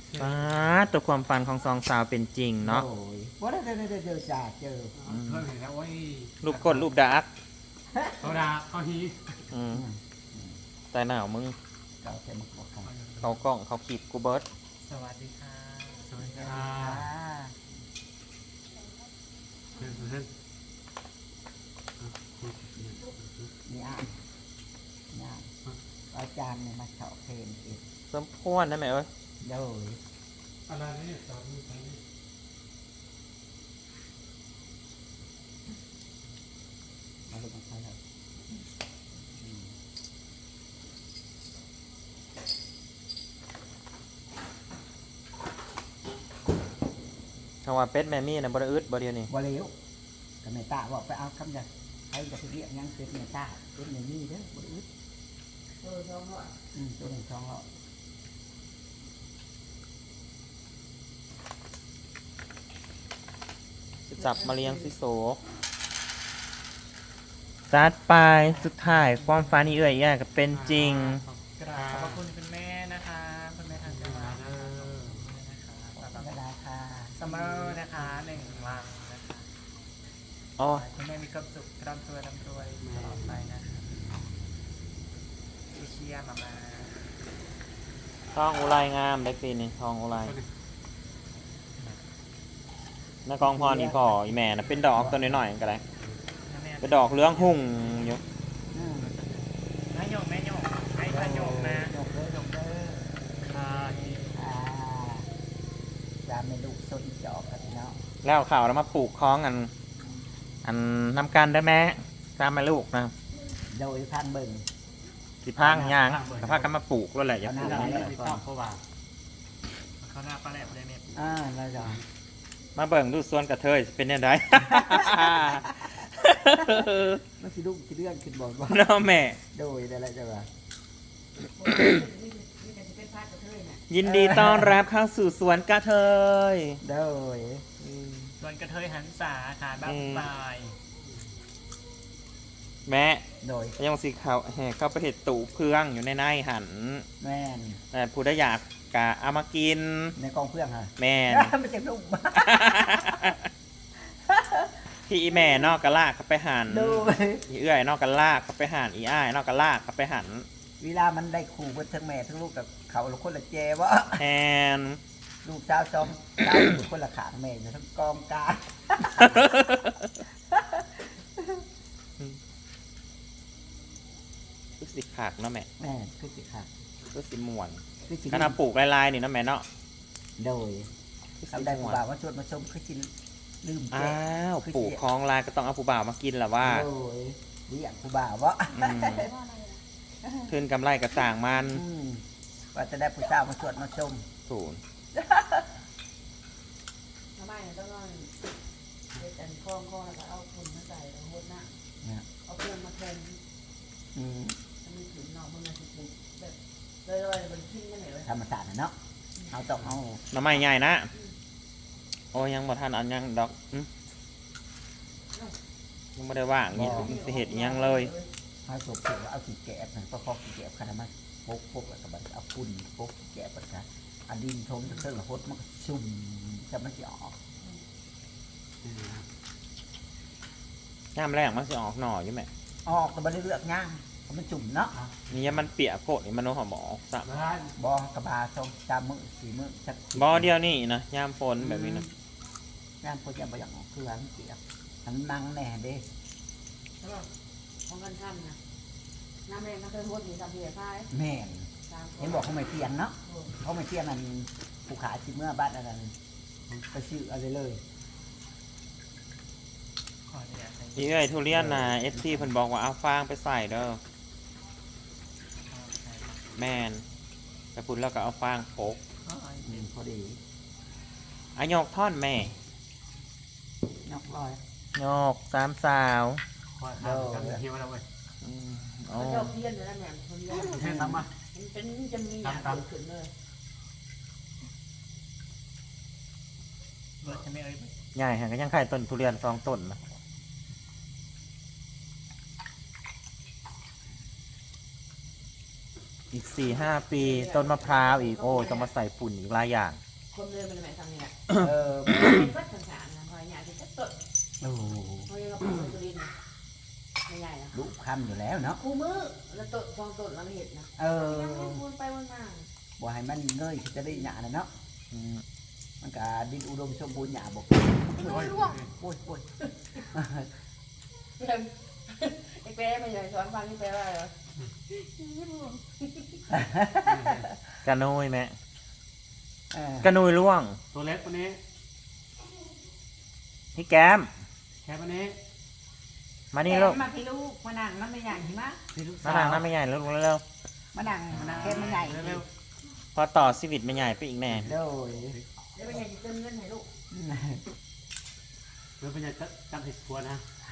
ฟ้าตัวความฝันของสองสาวเป็นจริงเนาะโอ้ยว่าได้เจอจ่าเจอเพิ่มเห็นแล้วโอ้ยรูปกดรูปดักเขาด่าเขาฮีอืมแต่หนาวมึงเก่าเต็มบอกเขาเขากล้องเขาขีบกูเบิร์ดสวัสดีค่ะสวัสดีคอ่ารับเพื่อนนี่อ่ะนี่อ่ะอาจารย์เนี่ยมาเฉาะเพลงอีกสมพวนได้ไหมเอ้ยโดยอะไรนี่ตอนนี้มาดูกันไปเลยคำว่าเป็ดแม่มี่นะบริอึดบริเดียวนี่บ่เร็วกับเมตาบอกไปเอาคำจะใครจะไปเรียกยังเป็นเมตาเป็นเมนี่เด้อบ่ได้อึดตัวหนึ่งช่องเหรอจะจับมาเลี้ยงซิโซจัดไปสุดท้ายความฝันนี่เอ่ยแย่กับเป็นจริงกราบขอบคุณคุณแม่นะคะคุณแม่ทางจังหวัดนะคะสำหรับก็ได้ค่ะซัมเมอร์นะคะ1 วันนะคะอ๋อคุณแม่มีความสุขร่ำรวยตลอดไปนะคะเชียร์มาทองอุไรงามได้ปีนี้ทองอุไรนากองพรอีพ่ออีแม่นะเป็นดอกตัวน้อยๆก็ได้แม่เป็นดอกเหลื้องหุ่งอยู่อืมแม่โยกไอ้พระโยกนะยกเลยค่ะอ่าจามเมลูกสนจอกกันเนาะแล้วข่าวแล้วมาปลูกคล้องอันนำกันได้ไหมตามมาลูกนะโดยพันเบิ่งสิพังยางกระพากันมาปลูกแล้วแหละอย่าปลูกเอาหน้าไม่ต้องเพราะว่าเขาหน้าปลาแหลมเลยแม่แล้วจ้ะมาเบิ่งดูส่วนกระเทยสิเป็นยังไงมันสิลูกสิเลื่อนขึ้นบอดว่าน้องแม่โดยได้แล้วจ้ะว่ายินดีต้อนรับเข้าสู่สวนกระเทยโดยส่วนกระเทยหันษาขาบ้างปลายแม่โดยยังสีเขาแห่เข้าไปเห็ดตู่เพื่องอยู่ในหันแม่นแต่ผู้ได้อยากกะเอามากินในกองเพื่อนฮะแม่นมันจะลูกพี่อีแม่นอกกะลากเขาไปหันโดยอีเอื้อยนอกกะลากเขาไปหันอีอ้ายนอกกะลากเขาไปหันเวลามันได้ขู่เพิ่นทั้งแม่ทั้งลูกกับเขาละคนละแจวะแทนลูกสาวซ้อมสาวอยู่คนละขางแม่อยู่ทั้งกองกลางคือสิขากเนาะแม่แม่คือสิค่ะคือสิม่วนคือสิขนาดปลูกลายๆนี่เนาะแม่เนาะโดยคือสิทำได้ม่ผู้วนบ่าวว่าชวนมาชมคือสิลืมแจอ้าวปลูกคลองลายก็ต้องเอาผู้บ่าวมากินแหละว่าโดยเรียกผู้บ่าววะอืมขึ้นกำไรกระต่างมันอืมว่าจะได้ผู้สาวมาชวนมาชมศูนย์ทำไมต้องเอาเด็ดอันคล้องแล้วก็เอาฝุ่นมาใส่แล้วหดหน้าเนี่ยเอาเครื่องมาแทนอืมมันมีถุนนอกมันมาสิปุ๊บแบบลอยๆมันทิ้งกันไหนวะธรรมศาสตร์น่ะเนาะเอาต้องเอาหน้ำไม้ใหญ่นะโอ้ยังบ่ทันอันยังดอกยังไม่ได้ว่างนี่สิเหตุยังเลยเอาศพเก็บเอาขี้แกะมันก็พอขี้แกะขนาดมันปกแล้วก็บัดเอาฝุ่นปกขี้แกะบัดกันอันดินทมจะเครื่องละหดมันก็ชุ่มจะมันจะออกย่ามแรกมันสิออกหน่ออยู่ไหมออกแต่บัได้เลือกย่างเพราะมันจุ่มเนาะนี่ยังมันเปียกโคตรนี่มันโน้หอมออกสะร้านบอกระบาสองสามมื้อสี่มื้อสักบอเดียวนี่นะย่ามฝนแบบนี้นะย่างพอจะบ่อยากออกคือมันเปียกมันนั่งแน่เด้แล้วก็ของกันท่านนะน้ำแรงก็เคยหดอยู่ทำเพียร์พายแม่นตามเห็นบอกเขาไม่เตียงเนาะเขาไม่เตียงมันผู้ขายชิเมื่อบ้านอะไรไปซื้ออะไรเลยขออนุญาตใส่อีเอ้ยทุเรียนนะเอฟซีเพิ่นบอกว่าเอาฟางไปใส่เด้อแม่นไปพุ่นแล้วก็เอาฟางโปกพอดีอายกท่อนแม่นอกร้อยยกสามสาวคอยทำกันเที่ยวแล้วเว้ยโอ้เขาเจ้าเพี้ยนอยู่แล้วเนี่ยเขาเรียนเที่ยวทำมามันเป็นจะมีอย่างเกิดขึ้นเลยเบิร์ดจะไม่เอ้ยใหญ่ฮะก็ยังขายต้นทุเรียน2 ต้นนะอีก4-5 ปีต้นมะพร้าวอีกโอ้ยต้องมาใส่ปุ่นอีกหลายอย่างคนเดินมันไม่ทำเนี่ยเออเป็นวัดสังขารนะพอยาที่จะตดโอ้โหพอยเราปลูกตัวดินไม่ใหญ่นะลูกคำอยู่แล้วเนาะคู่มือแล้วตดฟองตดแล้วเห็ดนะเออยังไม่วนไปวนมาบ่ให้มันเงยจะได้หยาน่ะเนาะอืมมันก็ดินอุดมสมบูรณ์หยาบอกโอ้ยร่วงโอ้ยโอ้ยไอ้แปรไม่ใหญ่สอนฟังนี่แปลว่าอะไรกระนุยแม่เออกระนุยล่วงตัวเล็กวันนี้พี่แก้มแค่วันนี้มานี่ลูกมาพี่ลูกมานั่งน้ำไม่ใหญ่หิมะพี่ลูกมาสาวทางน้ำไม่ใหญ่แล้วลูกเร็วมานั่งแค่ไม่ใหญ่เร็วๆพอต่อชีวิตไม่ใหญ่ไปอีกแน่โดยแล้วเป็นไงจะเติมเงินให้ลูกๆแล้วเป็นยังจำผิดทัวนะ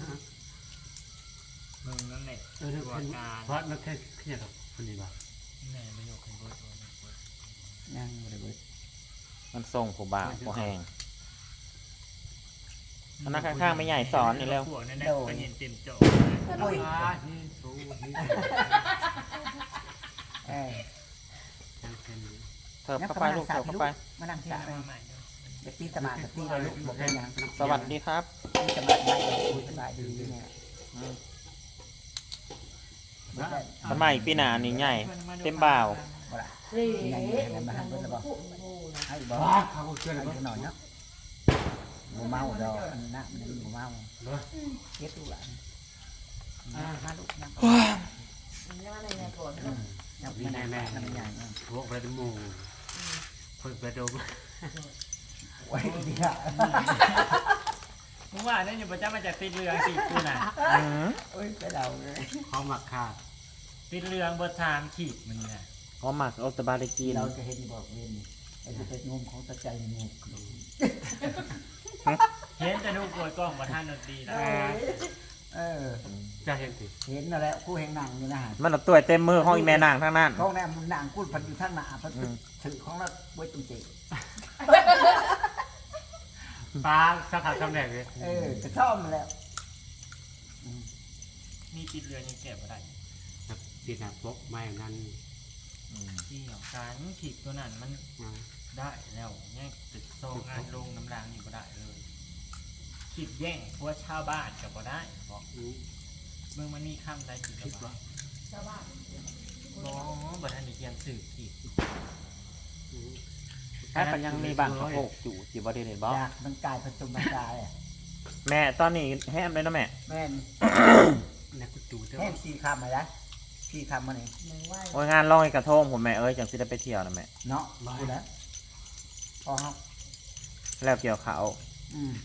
มึงนั่นแหละเรื่องเป็นเพราะนักแค่ขยันกับคนนี้ป่ะแม่ไม่ยกเป็นเบอร์ตัวนี้ยังบ่ได้เบิดมันส่งผู้บ่าวผู้แหง อันนั้นข้างๆไม่ใหญ่สอนนี่เร็วพวกนั่นแหละก็เห็นเต็มโจโอ้ยนี่สู้นี่เออยังแค่นี้เถิบเข้าไปลูกเถิบเข้าไปมานั่งที่สระมาใหม่เนอะเด็กตีสมาธิเราลูกบอกเป็นหยังสวัสดีครับตีสมาธิคุยสบายดีเนี่ยมันใหม่ปีหนานี่ใหญ่ เต็มบ่าวบ่ล่ะเฮ้ยให้บอกบ้าเขาเชื่อเลยให้หน่อยเนาะบ่เมาดอกอันนั้นมันบ่เมาเนาะเก็บลูกหลานมาลูกนั่งมันจะมาในไงก่อนยังไม่นั่งนั่งไม่ใหญ่เนาะพวกประดมูคนประดมไว้ดีอะมึงว่าเนี่ยอยู่ประจำมาจากติดเรืองสิกูน่ะอืมโอ้ยไปเดาเลยเขาหมักขาดติดเรืองเบอร์ทามขีดมันนี่นะอ๋อหมักเอาแตบาได้กินเราจะเห็นบอกเวนไอ้ที่เป็นงมของตะใจงูเห็นแต่ดูกดกล้องประธานดนตรีแล้วเออจะเห็นสิเห็นนั่นแหละคู่แห่งหนังนี่นะฮะมันเอาตัวเต็มมือห้องอีแม่นางทั้งนั้นของแนมันหนังกู้พันอยู่ทั้งหน้าพันถือของเราไว้ตรงเจปลาสักขาดคำแรกเลยเออจะชอบมันแล้วมีติดเรืองยังเก็บอะไรติดหนักปกไม่นั่นที่ของการขีดตัวนั้นมันได้แล้วเนี่ยติดโซ่งานลงน้ำรางนี่ก็ได้เลยขีดแย่งพวกชาวบ้านกับก็ได้บอกเมื่อมันมีคำใดขีดกับว่าชาวบ้านอ๋อบัตรทันได้เขียนสื่อขีดถ้ามันยังมีบางกระโปกอยู่จีบอดีเห็นบ่อยากมันกายผสมมันกายอ่ะแม่ตอนนี้แฮมเลยนะแม่แม่นนักกุจูเท่าแห้งสี่คำอะไรสี่คำมาเนี่ยหนึ่งไหวโอ้ยงานลอยกระทงผมแม่เอ้ยจังสิได้ไปเที่ยวนะแม่เนาะดูแล้วพอครับแล้วเกี่ยวเขาอืม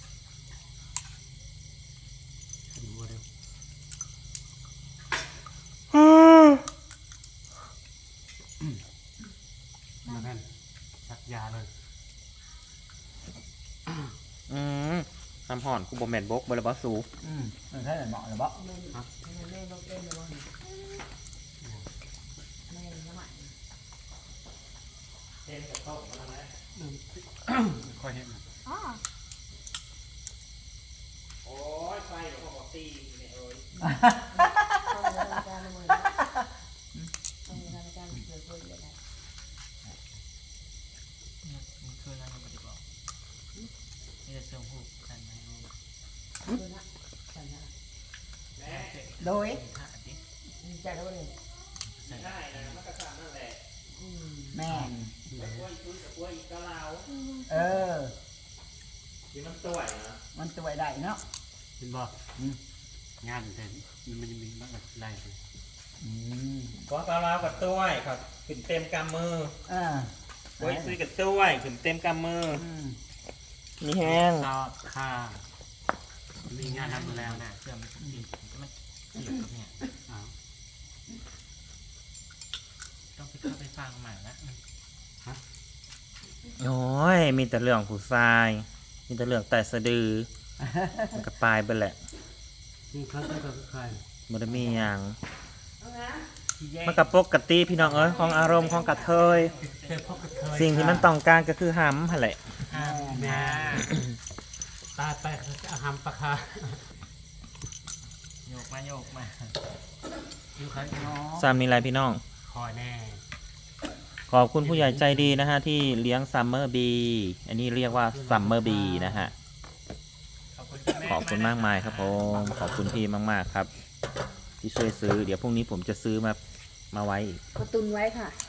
ดูเร็วมาแม่นสักยาเลยอืมน้ำห่อนกูบ่แม่นบกบ่ละบ่สูมันใช่เหมาะหรือเปล่าแม่แม่ต้องเต้นเลยว่าแม่น้ำมันเต็มกับโต๊ะมาแล้วค่อยเห็นอ๋อโอ้ยไฟกับพวกตีเนี่ยเอ้ยต้องมีรายการเลยต้องมีรายการเกิดขึ้นเลยนะมันคืออะไรกันดีกว่านี่จะเชื่อมหูกันไหมรู้คือนะฉันนะแม่โดยขาดดิดีใจแล้วเลยได้นะมันกระสับนั่นแหละแม่นกล้วยชุ้ยกับกล้วยอีกกะลาวเออที่มันต่วยนะมันจะไว้ได้เนาะเห็นบ่งานแต่มันจะมีมากอะไรเลยก็กะลาวกับต้วยครับขึ้นเต็มกำมืออ่าโอ้ยซื้อกับต้วยขึ้นเต็มกำมือมีแห้งซอค่ามีงานทำแล้วนะเชื่อมันติดมันเกี่ยวกับเนี่ยอ้าวต้องไปเข้าไปฟังใหม่ละโอ้ยมีแต่เรื่องผู้ชายมีแต่เรื่องแต่สะดือมันก็ปลายไปแหละนี่เขาจะกับใครบ่ได้มีหยังเอานะที่แยกมันกับปกติพี่น้องเอ้ยของอารมณ์ของกระเทยเจอพบกับเธอสิ่งที่มันต้องการก็คือหำหั่นแหละห้ามแม่มาตายไปเขาจะหำปะคาโยกมาอยู่ใครเนาะสามนี่ไรพี่น้องคอแน่ขอบคุณผู้ใหญ่ใจดีนะฮะที่เลี้ยงซัมเมอร์บีอันนี้เรียกว่าซัมเมอร์บีนะฮะขอบคุณคุณแม่ขอบคุณมากมายครับผมขอบคุณพี่มากๆครับ ที่ช่วยซื้อเดี๋ยวพรุ่งนี้ผมจะซื้อมาไว้อีกกระตุนไว้ค่ะ